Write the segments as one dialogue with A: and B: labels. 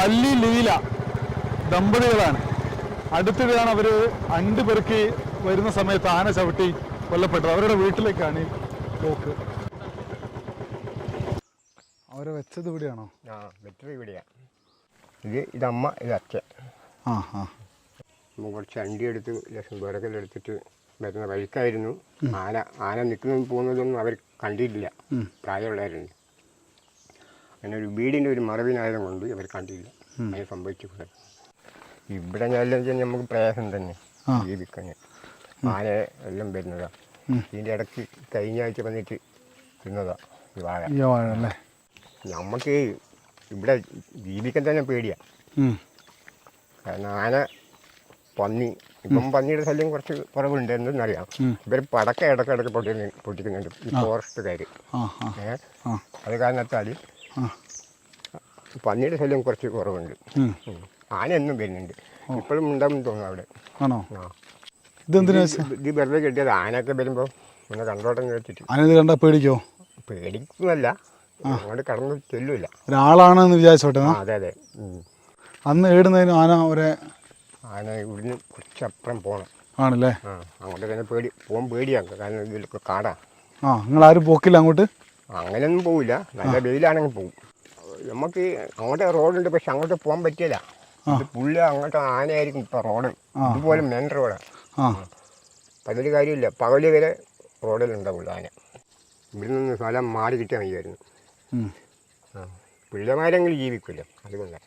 A: പള്ളി ലീല ദമ്പതികളാണ്. അടുത്തിടെയാണ് അവർ അണ്ടുപെറുക്കി വരുന്ന സമയത്ത് ആന ചവിട്ടി കൊല്ലപ്പെട്ടത്. അവരുടെ വീട്ടിലേക്കാണ് പോക്ക്. അവരെ വെച്ചത് ഇവിടെയാണോ?
B: വെച്ചത് ഇവിടെയാണ്. ഇതമ്മ, ഇത് അച്ഛൻ. കുറച്ച് അണ്ടി എടുത്ത് ലക്ഷം വിറകലെടുത്തിട്ട് വരുന്ന വഴിക്കായിരുന്നു. ആന നിൽക്കുന്നതും പോകുന്നതൊന്നും അവർ കണ്ടിട്ടില്ല. പ്രായമുള്ളവരുണ്ട്. അങ്ങനെ ഒരു വീടിൻ്റെ ഒരു മറവിനായതും കൊണ്ട് അവർ കണ്ടില്ല. അതിന് സംഭവിച്ചിട്ടുണ്ട്. ഇവിടെ ഞാൻ നമുക്ക് പ്രയാസം തന്നെ ജീവിക്കാൻ. ആന എല്ലാം വരുന്നതാണ്. ഇതിൻ്റെ ഇടയ്ക്ക് കഴിഞ്ഞ ആഴ്ച വന്നിട്ട് തിന്നതാണ് ഈ വാഴ.
A: അല്ലേ?
B: നമുക്ക് ഇവിടെ ജീവിക്കാൻ തന്നെ പേടിയാണ്. കാരണം ആന, പന്നി, ഇപ്പം പന്നിയുടെ ശല്യം കുറച്ച് കുറവുണ്ട് എന്നറിയാം. ഇവർ പടക്കം ഇടയ്ക്കിടയ്ക്ക് പൊട്ടിക്കുന്നുണ്ട് ഈ ഫോറസ്റ്റുകാർ. അത് കാരണത്താൽ പന്നിയുടെ ശല്യം കുറച്ച് കുറവുണ്ട്. ആന എന്നും വരുന്നുണ്ട്. ഇപ്പോഴും ഉണ്ടാവും തോന്നുന്നു അവിടെ.
A: ആണോ?
B: ഇത് വെറുതെ കിട്ടിയത്. ആനയൊക്കെ വരുമ്പോൾ ഒന്ന് കണ്ടോട്ടം വെച്ചിട്ട്.
A: ആന കണ്ടാൽ പേടിക്കോ?
B: പേടിക്കുന്നല്ല, അങ്ങോട്ട് കടന്നു ചെല്ലില്ല.
A: ഒരാളാണെന്ന് വിചാരിച്ചോട്ടെ.
B: അതെ അതെ.
A: അന്ന് ഏടുന്നതിന് ആന
B: ഇവിടുന്ന് കുറച്ചപ്പുറം പോകണം.
A: ആണല്ലേ?
B: അങ്ങോട്ട് തന്നെ പോകാൻ പേടിയാണ്. കാരണം ഇതിലൊക്കെ കാടാ.
A: നിങ്ങൾ ആരും പോക്കില്ല അങ്ങോട്ട്?
B: അങ്ങനെയൊന്നും പോവില്ല. നല്ല വെയിലാണെങ്കിൽ പോകും. നമുക്ക് അങ്ങോട്ട് റോഡുണ്ട്, പക്ഷെ അങ്ങോട്ട് പോകാൻ പറ്റില്ല. ഇത് പുള്ളി അങ്ങോട്ട് ആനയായിരിക്കും ഇപ്പം റോഡ്. ഇതുപോലെ മെയിൻ റോഡാണ്. അപ്പം അതൊരു കാര്യമില്ല. പകല് വരെ റോഡിലുണ്ടാവില്ല ആന. ഇവിടെ നിന്ന് സ്ഥലം മാറി കിട്ടിയാൽ മതിയായിരുന്നു. പിള്ളമാരെങ്കിലും ജീവിക്കില്ല. അതുകൊണ്ടാണ്.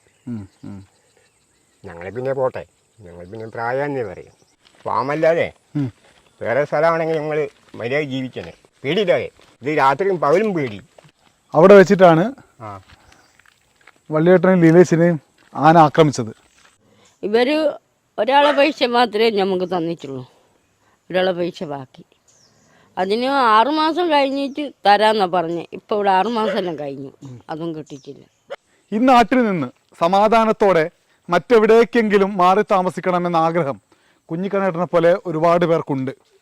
B: ഞങ്ങളെ പിന്നെ പോട്ടെ, ഞങ്ങൾ പിന്നെ പ്രായാന്നേ പറയും. ഫാമല്ലാതെ വേറെ സ്ഥലമാണെങ്കിൽ ഞങ്ങൾ മര്യാദ ജീവിച്ചനെ, പേടിയില്ലാതെ. ഇത് രാത്രിയും പകലും പേടി.
A: അവിടെ വെച്ചിട്ടാണ് വള്ളിയേട്ടനെയും ലീലേശിനെയും ആന ആക്രമിച്ചത്.
C: ഇവർ ഒരാളെ പൈസ മാത്രമേ നമുക്ക് തന്നിട്ടുള്ളൂ. ഒരാളെ പൈസ ബാക്കി. അതിന് 6 മാസം കഴിഞ്ഞിട്ട് തരാമെന്നാണ് പറഞ്ഞത്. ഇപ്പോൾ ഇവിടെ 6 മാസമെല്ലാം കഴിഞ്ഞു, അതും കിട്ടിയിട്ടില്ല.
A: ഈ നാട്ടിൽ നിന്ന് സമാധാനത്തോടെ മറ്റെവിടേക്കെങ്കിലും മാറി താമസിക്കണമെന്ന ആഗ്രഹം കുഞ്ഞിക്കണ്ണേട്ടനെ പോലെ ഒരുപാട് പേർക്കുണ്ട്.